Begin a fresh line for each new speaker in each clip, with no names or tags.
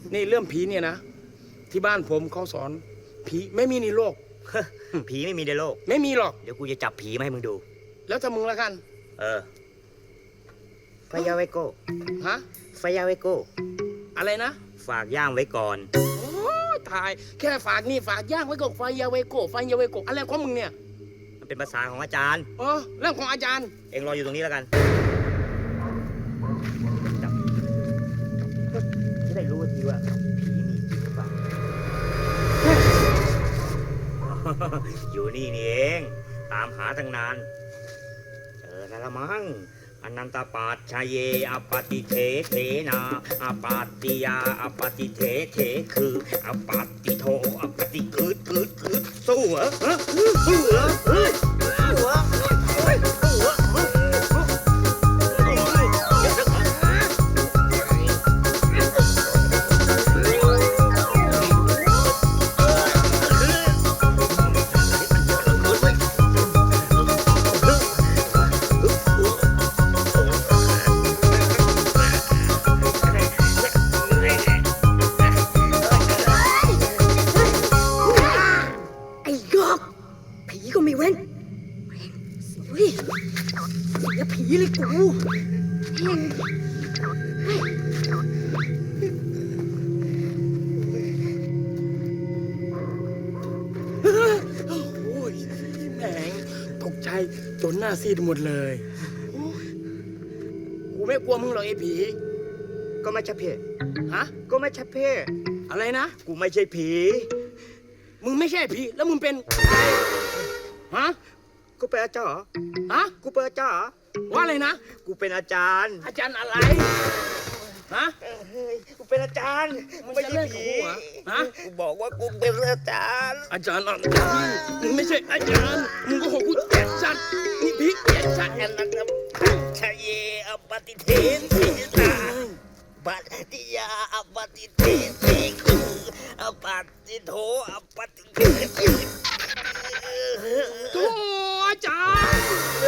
นี่เรื่องผีเนี่ยนะที่บ้านผมเขาสอนผีไม่มีในโลก
ผีไม่มีในโลก
ไม่มีหรอก
เดี๋ยวกูจะจับผีมาให้มึงดู
แล้วถ้ามึงละกัน
เออไฟยาไวโก้
ฮะ
ไฟยาไวโก้
อะไรนะ
ฝากย่างไว้ก่อน
โอ้ยตายแค่ฝากนี่ฝากย่างไว้กับไฟยาเวโกไฟยาเวโกอะไรของมึงเนี่ย
มันเป็นภาษาของอาจารย์
อ๋อเรื่องของอาจารย์
เองรออยู่ตรงนี้แล้วกันจับจะได้รู้ทีว่าผีมีจริงหรือเปล่า อยู่นี่นี่เอง ตามหาตั้งนาน เจอแล้วละมั้งอนันตปาชเยอปฏิเทเทนาอปาติยาอปฏิเทเทคืออปาติโทอปฏิคืดสู้เหรอสู้เหรอเฮ้ยสู้เหรอเฮ้ยสู้เหรอ
ไอ้ยอกผีก็ไม่เว้นเฮ้ยเสียผีเลยกูเฮ้ย
โอ้ยแหมงตกใจจนหน้าซีดหมดเลยโอ้ยกูไม่กลัวมึงหรอกไอ้ผี
ก็ไม่ใช่เพศ
ฮะ
ก็ไม่ใช่เพศ
อะไรนะ
กูไม่ใช่ผี
มึงไม่ใช่ผีแล้วมึงเป็นใครฮะ
กูเป็นอาจารย์
ฮะ
กูเป็นอาจารย์
ว่าอะไรนะ
กูเป็นอาจารย์
อาจารย์อะไรฮะ
เฮ้ยกูเป็นอาจารย์
มึง
ไม่
จะ
ใช่
เล่นกับ
ผี
กูเหรอฮะ
กูบอกว่ากูเป็นอาจารย์
อาจารย์อะไรมึงไม่ใช่อาจารย์มึงก็หกกูแก่ชัดนี่ผีแก่ชัด
อันนั้นชะเยอปฏิเทนทิตาปฏิยาอปฏิเทนทิคืออปฏิโทอปฏิเทนทิ
โธ่อาจารย์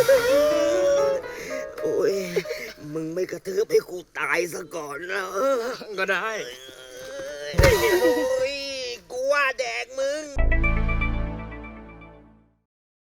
โอ้ยมึงไม่กระทืบให้กูตายซะก่อนนะ
ก็ได้
โอ้ยกูว่าแดกมึง